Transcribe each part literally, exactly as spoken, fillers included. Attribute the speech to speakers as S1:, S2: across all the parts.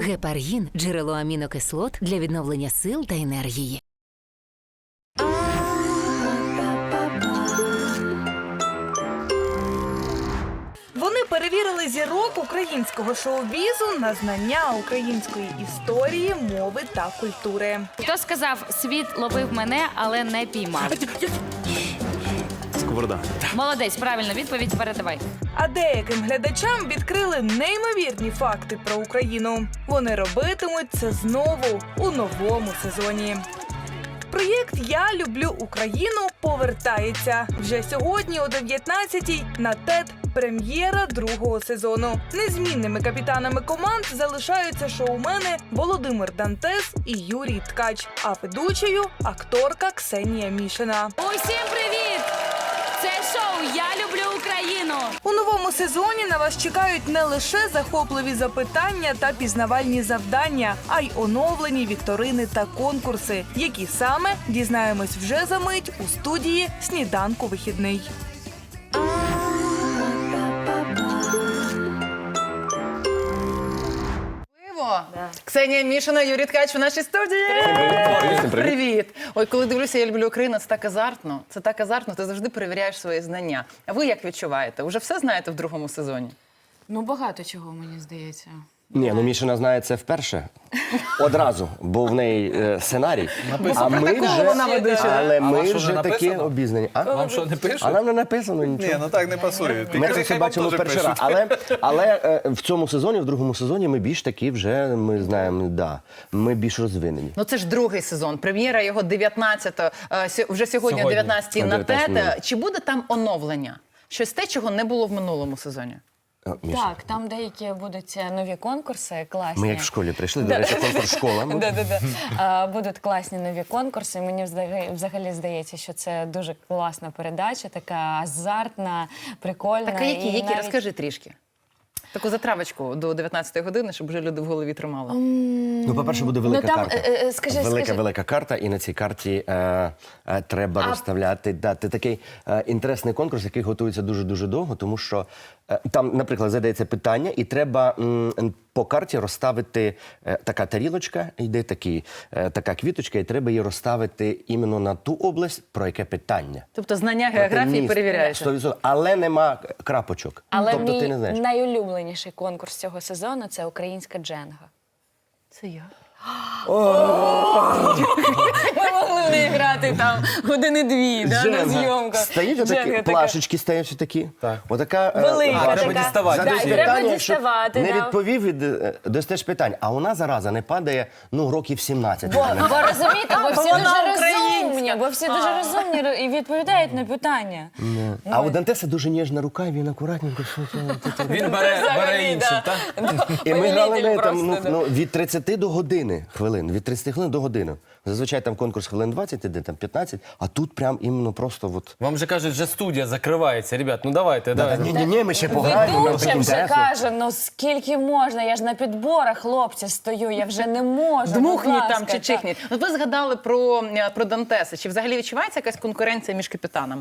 S1: Гепаргін – джерело амінокислот для відновлення сил та енергії.
S2: Вони перевірили зірок українського шоу-бізу на знання української історії, мови та культури.
S3: Хто сказав, світ ловив мене, але не піймав?
S4: Сковорода.
S3: Молодець, правильно, відповідь передавай.
S2: А деяким глядачам відкрили неймовірні факти про Україну. Вони робитимуть це знову у новому сезоні. Проєкт «Я люблю Україну» повертається. Вже сьогодні о дев'ятнадцятій на ТЕТ прем'єра другого сезону. Незмінними капітанами команд залишаються шоумени Володимир Дантес і Юрій Ткач, а ведучою – акторка Ксенія Мішина.
S3: Усім привіт! Це шоу «Я люблю Україну».
S2: У новому сезоні на вас чекають не лише захопливі запитання та пізнавальні завдання, а й оновлені вікторини та конкурси, які саме дізнаємось вже за мить у студії «Сніданку вихідний».
S5: Ксенія Мішина, Юрій Ткач у нашій студії.
S4: Привіт.
S5: Привіт. Ой, коли дивлюся «Я люблю Україну», це так азартно. Це так азартно, ти завжди перевіряєш свої знання. А ви як відчуваєте? Уже все знаєте в другому сезоні?
S3: Ну, багато чого, мені здається.
S4: Ні, ну Мішина знає це вперше. Одразу, бо в неї е, сценарій. А ми вже,
S5: вона ведуча.
S4: але ми
S6: вам що,
S4: вже
S6: не
S4: такі
S6: написано?
S4: обізнані. А?
S6: Вам що, не пишуть?
S4: А нам не написано нічого.
S6: Ні, ну так не пасує. Ти
S4: Ми
S6: кажи,
S4: це все
S6: хай вам
S4: бачили
S6: теж
S4: перший раз.
S6: пишуть.
S4: Але, але е, в цьому сезоні, в другому сезоні, ми більш такі вже, ми знаємо, да, ми більш розвинені.
S5: Ну це ж другий сезон. Прем'єра його дев'ятнадцятого, е, сьо- вже сьогодні о
S6: Сьогодні.
S5: дев'ятнадцятій
S4: О
S5: на
S4: дев'ятнадцятій.
S5: ТЕТ. Чи буде там оновлення? Щось те, чого не було в минулому сезоні?
S4: О, Міша,
S7: Так, там деякі будуть е, нові конкурси, класні.
S4: ми як в школі прийшли, до речі, конкурс школа.
S7: Да-да-да. А, Будуть класні нові конкурси. Мені взагалі- взагалі здається, що це дуже класна передача, така азартна, прикольна.
S5: Так, а які,
S7: і
S5: які?
S7: навіть-
S5: Розкажи трішки. Таку затравочку до дев'ятнадцятої години, щоб вже люди в голові тримали.
S4: Ну, по-перше, буде велика
S7: Ну, там,
S4: карта.
S7: е, е, скажи,
S4: велика,
S7: скажи.
S4: велика карта, і на цій карті е, е, треба розставляти. Да, це такий е, інтересний конкурс, який готується дуже-дуже довго, тому що е, там, наприклад, задається питання, і треба м, по карті розставити е, така тарілочка, йде такі, е, така квіточка, і треба її розставити іменно на ту область, про яке питання.
S5: Тобто знання географії
S4: Міст.
S5: перевіряєте.
S4: сто відсотків. Але нема крапочок.
S7: Але
S4: тобто
S7: мій
S4: ти не знаєш.
S7: найулюбленіший конкурс цього сезону – це українська дженга.
S5: Це я.
S7: Ми могли не грати там години-дві да, на
S4: Дженга.
S7: зйомках.
S4: Стоїть отакі,
S7: Дженга така.
S4: плашечки стоять отакі.
S6: Так.
S4: Отака, е,
S7: Велика
S4: важка.
S6: треба
S7: така.
S6: діставати.
S7: Да, і
S4: Задаєш
S7: треба
S4: питання, щоб
S7: діставати.
S4: Не
S7: да.
S4: відповів, від, е, достаєш питань. А вона, зараза, не падає, ну, років сімнадцять.
S7: Бо, бо розумієте, бо всі
S5: вона
S7: дуже
S5: українська.
S7: розумні, бо всі дуже розумні ро- і відповідають на питання.
S4: А у Дантеса дуже ніжна рука, і він акуратненько. що це, це, це.
S6: Він бере, бере іншим, так?
S4: І ми грали
S7: Повелитель
S4: ми, там, ну,
S7: просто, да.
S4: ну, від тридцяти до години хвилин. Від тридцяти хвилин до години. Зазвичай там конкурс хвилин двадцять іде, там п'ятнадцять, а тут прям іменно просто от...
S6: Вам же кажуть, вже студія закривається. Ребят, ну давайте,
S4: Да,
S6: давайте.
S4: ні-ні-ні, ми ще пограємо. нам так
S7: Ведуча вже
S4: інтересно.
S7: каже, ну скільки можна, я ж на підборах, хлопці, стою, я вже не можу.
S5: Дмухніть
S7: будь
S5: там
S7: ласка,
S5: чи
S7: так.
S5: чихніть. Ну, ви згадали про, е, про Дантеса. Чи взагалі відчувається якась конкуренція між капітанами?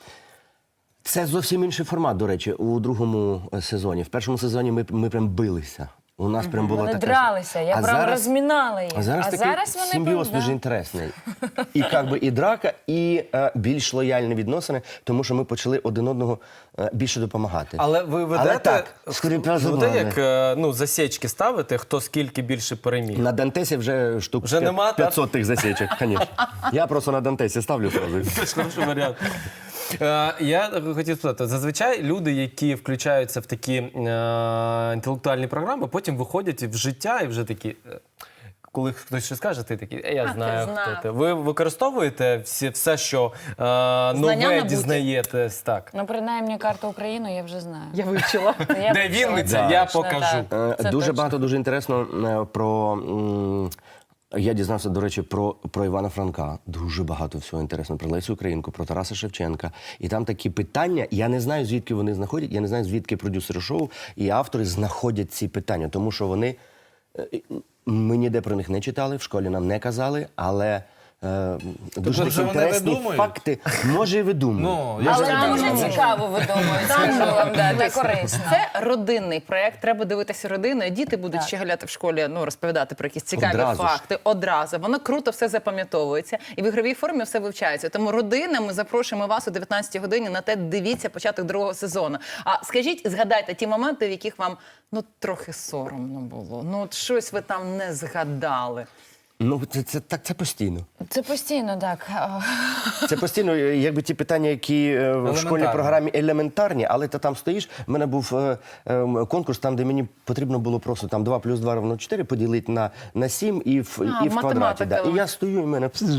S4: Це зовсім інший формат, до речі, у другому е, сезоні. В першому сезоні ми, ми прям билися. У нас прям було
S7: Вони
S4: таке...
S7: дралися, я
S4: А
S7: прям
S4: зараз-
S7: розмінала їх.
S4: А зараз такий
S7: вони
S4: симбіоз
S7: прям,
S4: дуже
S7: да.
S4: інтересний. І як би і драка, і е, більш лояльні відносини, тому що ми почали один одного е, більше допомагати.
S6: Але ви ведете,
S4: Але так, скрипя
S6: ви
S4: зубами.
S6: ведете як е, ну, засічки ставите, хто скільки більше переміг?
S4: На Дантесі вже штук
S6: Вже нема, так?
S4: п'ятсот тих засічок, звісно. Я просто на Дантесі ставлю одразу.
S6: Це ж хороший варіант. Е, Я хотів спитати, зазвичай люди, які включаються в такі е, інтелектуальні програми, потім виходять в життя і вже такі, е, коли хтось щось скаже, ти такий, «Е, я знаю,
S5: знав».
S6: хто ти. Ви використовуєте всі, все, що е, нове
S5: набуті.
S6: дізнаєтесь, так.
S7: Ну, принаймні, карту України я вже знаю.
S5: Я вивчила.
S7: Я
S6: Де
S7: почула.
S6: Вінниця, я
S7: Точно,
S6: покажу.
S7: так.
S4: Е,
S7: Це
S4: Дуже
S7: точно.
S4: багато, дуже інтересно е, про... м, Я дізнався, до речі, про, про Івана Франка. Дуже багато всього інтересного. Про Лесю Українку, про Тараса Шевченка. І там такі питання, я не знаю, звідки вони знаходять, я не знаю, звідки продюсери шоу і автори знаходять ці питання. Тому що вони... е, Ми ніде про них не читали, в школі нам не казали, але е, дуже
S8: вже
S4: такі
S8: вони
S4: інтересні
S8: видумують?
S4: факти. Може, і видумують.
S8: Ну, я
S7: Але
S8: ж
S7: нам
S8: кажу.
S7: дуже цікаво видумують, скажу вам, да, це корисно.
S5: Це родинний проєкт, треба дивитися родиною. Діти будуть
S7: Так.
S5: щеголяти в школі, ну, розповідати про якісь цікаві
S4: Одразу ж.
S5: факти. Одразу. Воно круто все запам'ятовується. І в ігровій формі все вивчається. Тому родина, ми запрошуємо вас о дев'ятнадцятій годині на те, дивіться початок другого сезону. А скажіть, згадайте ті моменти, в яких вам, ну, трохи соромно було. Ну, от щось ви там не згадали.
S4: Ну, це, це, так, це постійно.
S7: Це постійно так.
S4: Це постійно, якби ті питання, які е, в школьній
S8: Елементарні.
S4: програмі елементарні, але ти там стоїш. У мене був е, е, конкурс, там, де мені потрібно було просто там два плюс два равно чотири поділити на, на сім і в,
S5: А,
S4: і в квадраті.
S5: математика.
S4: Да. І я стою, і в мене пзж,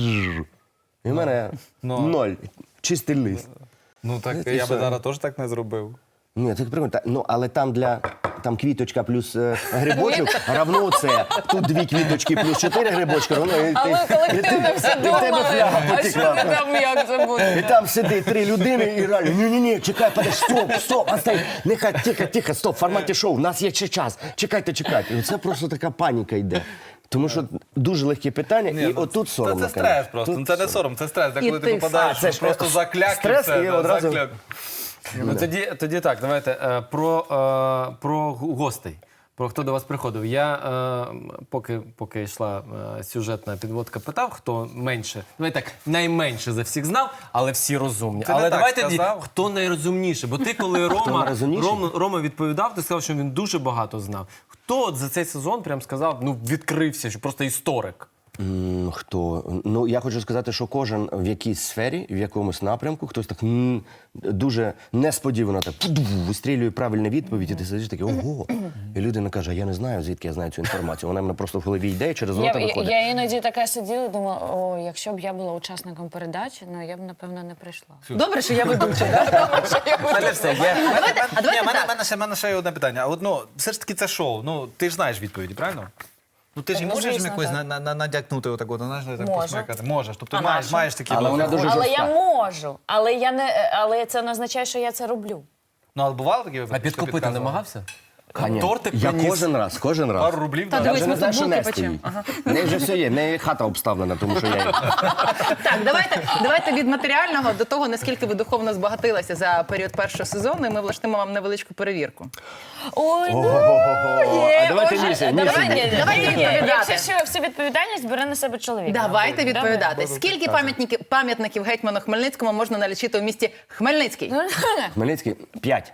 S4: і в мене
S8: Ну.
S4: ноль. Чистий лист.
S8: Ну так
S4: Знаєте,
S8: я би
S4: що?
S8: зараз теж так не зробив.
S4: Ні, так прикольно. Та- Ну, але там для там квіточка плюс е, грибочок равно це. Тут дві квіточки плюс чотири грибочка равно. І,
S7: А
S4: ти-
S7: ви колективно
S4: і
S7: все
S4: ти- і в тебе
S7: думали.
S4: фляга
S7: А що
S4: потекла.
S7: ви там, як це буде?
S4: І там сидить три людини і реально, ні-ні-ні, чекай, подожди, стоп, стоп, остай, нехай, тихо, тихо, стоп, в форматі шоу, у нас є ще час, чекайте, чекайте. І це просто така паніка йде. Тому що дуже легкі питання, і
S8: ну,
S4: отут соромно.
S8: Це, це
S4: конечно.
S8: стрес просто.
S4: Тут
S8: Ну, це не сором, це стрес. Де
S5: І
S8: коли ти
S5: ти
S8: попадаєш,
S4: А, це
S8: ну,
S4: ж
S8: просто закляк і
S4: стрес,
S8: все.
S4: і
S8: да,
S4: одразу-
S8: закляк.
S6: Ну, тоді, тоді так, давайте е, про, е, про гостей. Про хто до вас приходив. Я е, поки, поки йшла е, сюжетна підводка, питав, хто менше, давай так, найменше за всіх знав, але всі розумні.
S8: Ти не
S6: але
S8: так
S6: давайте тоді,
S8: сказав.
S6: хто найрозумніший. Бо ти, коли Рома,
S4: найрозумніший?
S6: Рома, Рома відповідав, ти сказав, що він дуже багато знав. Хто от за цей сезон прям сказав, ну відкрився, що просто історик?
S4: М, Хто? Ну, я хочу сказати, що кожен в якійсь сфері, в якомусь напрямку, хтось так м, дуже несподівано так пуду, вистрілює правильну відповідь, і ти сидиш такий, ого. І людина каже, я не знаю, звідки я знаю цю інформацію. Вона в мене просто в голові йде і через
S7: Я,
S4: рота
S7: я,
S4: виходить.
S7: я іноді така сиділа і думала, о, якщо б я була учасником передачі, ну я б, напевно, не прийшла.
S5: Добре, що я ведуча, так?
S8: Мене все, є.
S5: а давайте
S8: Ні, мене,
S5: так.
S8: мене, ще, мене ще є одне питання. А от, ну, все ж таки це шоу. Ну, ти ж знаєш відповіді, правильно? Ну, ти ж і
S7: Ну,
S8: можеш
S7: звісно,
S8: якось
S7: так.
S8: на, на, на, надякнути отак, от, знаєш, так
S7: Можу.
S8: посмикати? Можеш. Тобто
S5: А
S8: маєш,
S5: нащо?
S8: маєш такі...
S4: Але вона дуже
S7: Але
S4: жорстка.
S7: я можу, але я не, але це не означає, що я це роблю.
S8: Ну, але бувало такі
S6: А
S8: випадки, що
S6: підкупити
S8: підказували?
S6: намагався?
S4: Конечно.
S6: Тортик
S4: Я
S6: приніс.
S4: кожен раз, кожен раз.
S8: Пару рублів
S5: Та
S8: дав.
S4: Я
S5: дивись,
S4: вже
S5: ми
S4: не знаю, що
S5: футболки
S4: нести їй.
S5: печемо.
S4: В неї вже все є, в неї хата обставлена, тому що я їй...
S5: Так, давайте, давайте від матеріального до того, наскільки ви духовно збагатилися за період першого сезону, і ми влаштуємо вам невеличку перевірку.
S7: Ой, ну,
S4: Ого-го-го. А давайте
S7: Боже,
S4: Міша,
S7: давайте,
S4: Міша.
S5: Давайте, давайте
S7: ні, ні,
S5: відповідати.
S7: Якщо що, всю відповідальність бере на себе чоловік.
S5: Давайте
S7: мабуть.
S5: відповідати. Скільки пам'ятників, пам'ятників гетьману Хмельницькому можна налічити у місті Хмельницький?
S7: Давай.
S4: Хмельницький, п'ять.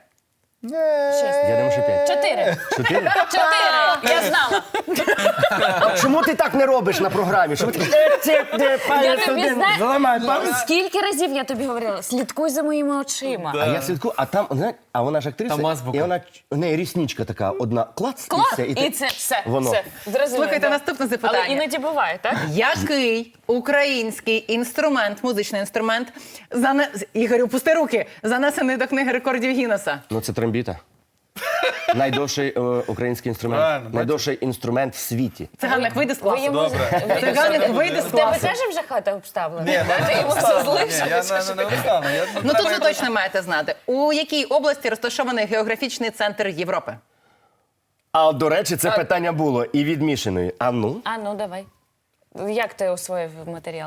S7: Шість.
S4: Я думаю, що п'ять.
S7: Чотири.
S4: Чотири?
S7: Чотири. Я знала.
S4: А чому ти так не робиш на програмі? Що ви такі, «Е, це, де,
S7: Я
S4: палець
S7: тобі
S4: один,
S7: знаю.
S4: зламай палець».
S7: Скільки разів я тобі говорила? Слідкуй за моїми очима.
S4: А я слідкую, а там, знаєш, а вона ж актриса,
S6: Там азбука.
S4: і вона, у неї рісничка така, одна клац,
S7: Клас!
S4: і все.
S7: І
S4: ти-
S7: це все.
S4: Воно.
S7: все. Зрозуміло,
S5: Слухайте,
S7: да.
S5: наступне запитання.
S7: Але іноді буває, так?
S5: Який український інструмент, музичний інструмент, зане... Ігорю, пусти руки, занесений до книги рекордів Гіннеса?
S4: Ну, це трембіта. Найдовший е, український інструмент.
S8: Правильно, бачиш?
S4: Найдовший інструмент в світі.
S5: Циганник, вийди з
S7: Ви
S5: класу.
S7: йому
S5: Циганник, вийди з
S7: В тебе
S5: класу.
S7: теж вже хата обставлена?
S8: Ні,
S7: так? Ти йому все залишив?
S8: Ні, я не, не, не встану. Я,
S5: Ну тут ви точно маєте знати. У якій області розташований географічний центр Європи?
S4: А, до речі, це питання було і від Мішиної. А ну?
S7: А, ну давай. Як ти освоїв матеріал?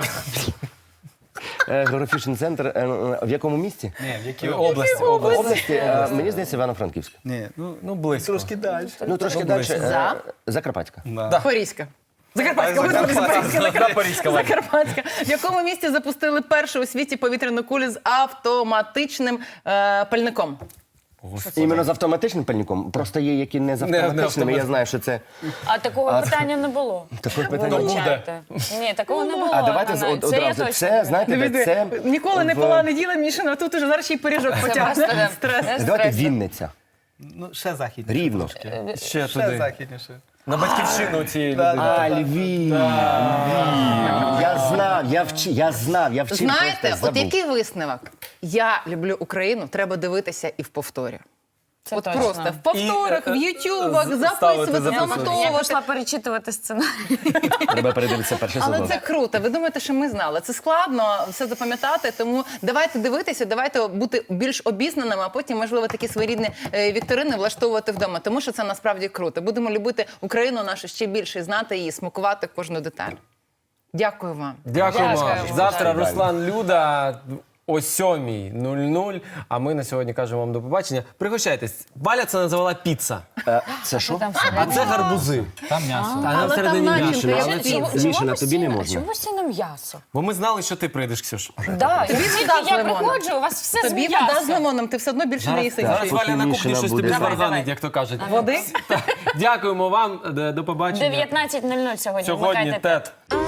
S4: Е, Географічний центр, е, в якому місті?
S8: Ні, в якій
S6: Області.
S4: В області, е, мені здається, Івано-Франківська.
S8: Ні, ну,
S6: Ну, близько.
S8: трошки далі.
S4: Ну, трошки
S6: Ну,
S4: далі.
S6: близько.
S4: е,
S5: За?
S4: Закарпатська.
S8: Да.
S5: Порізька. Закарпатська,
S8: А,
S5: господи,
S8: Закарпатська.
S5: Запорізька,
S6: Запорізька, ладно.
S5: Закарпатська. В якому місті запустили першу у світі повітряну кулю з автоматичним е, пальником?
S4: Іменно з автоматичним пальником. Просто є, які не з
S6: Не- не
S4: автоматичними. Я
S6: автомат-
S4: знаю, що це...
S7: А такого питання не було.
S4: Такого питання не
S7: Вибачайте. Ні, такого не було.
S4: А давайте з-
S7: Ганна.
S4: од-
S7: Це я
S4: одразу.
S7: точно
S4: Це,
S7: знаю.
S4: знаєте, де
S5: Дивіться,
S4: це...
S5: ніколи не
S4: в-
S5: пила, не їла Мішина, а тут уже зараз ще й пиріжок потягне.
S7: Просто,
S5: Стрес.
S7: да.
S4: Давайте
S7: Стрес.
S4: Вінниця.
S8: Ну, ще західніше.
S4: Рівно.
S6: Ще
S8: Ще
S6: туди.
S8: західніше.
S6: На батьківщину цієї людини.
S4: А, Львів. Львів. Я знав, я вчив, я знав, я вчив.
S5: Знаєте,
S4: просто
S5: от
S4: забув.
S5: який висновок? Я люблю Україну, треба дивитися і в повторі.
S7: Це
S5: От
S7: точно.
S5: просто в повторах,
S6: І, е,
S5: в ютубах,
S6: з-
S5: записувати,
S6: ставити,
S7: Я
S5: занотовувати.
S7: пішла перечитувати сценарій.
S4: Треба передивитися перший
S5: Але
S4: сезон.
S5: це круто. Ви думаєте, що ми знали? Це складно все запам'ятати, тому давайте дивитися, давайте бути більш обізнаними, а потім, можливо, такі своєрідні е, вікторини влаштовувати вдома, тому що це насправді круто. Будемо любити Україну нашу ще більше, і знати її, смакувати кожну деталь. Дякую вам.
S6: Дякуємо.
S7: Дякую.
S6: Завтра
S4: Дякую.
S6: Руслан Люда о сьомій нуль нуль, а ми на сьогодні кажемо вам до побачення. Пригощайтесь. Валя це називала піца,
S4: Е, Це що?
S7: Там
S6: а це гарбузи.
S8: Там м'ясо.
S6: А нам
S5: Але
S6: всередині
S5: там
S6: м'ясо.
S5: начинка,
S6: Але
S5: як
S6: це-
S5: піца.
S7: Чому
S4: Мішина, тобі не
S7: постійно-
S4: можна.
S7: Чому постійно м'ясо?
S6: Бо ми знали, що ти прийдеш, Ксюш.
S7: Да,
S5: Тобі
S7: звідки
S5: вода з
S7: я
S5: лимоном.
S7: приходжу, у вас все з
S5: Тобі вода з
S7: м'ясом.
S5: лимоном, ти все одно більше не їси.
S6: Зараз
S4: поки
S6: Валя на кухні
S4: Мішина
S6: щось
S4: буде.
S6: тобі
S4: Давай,
S6: зварганить, як то кажуть.
S5: Води?
S6: Дякуємо вам. До побачення.
S7: дев'ятнадцять нуль нуль сьогодні.
S6: Сьогодні
S7: Вмикайте
S6: тет.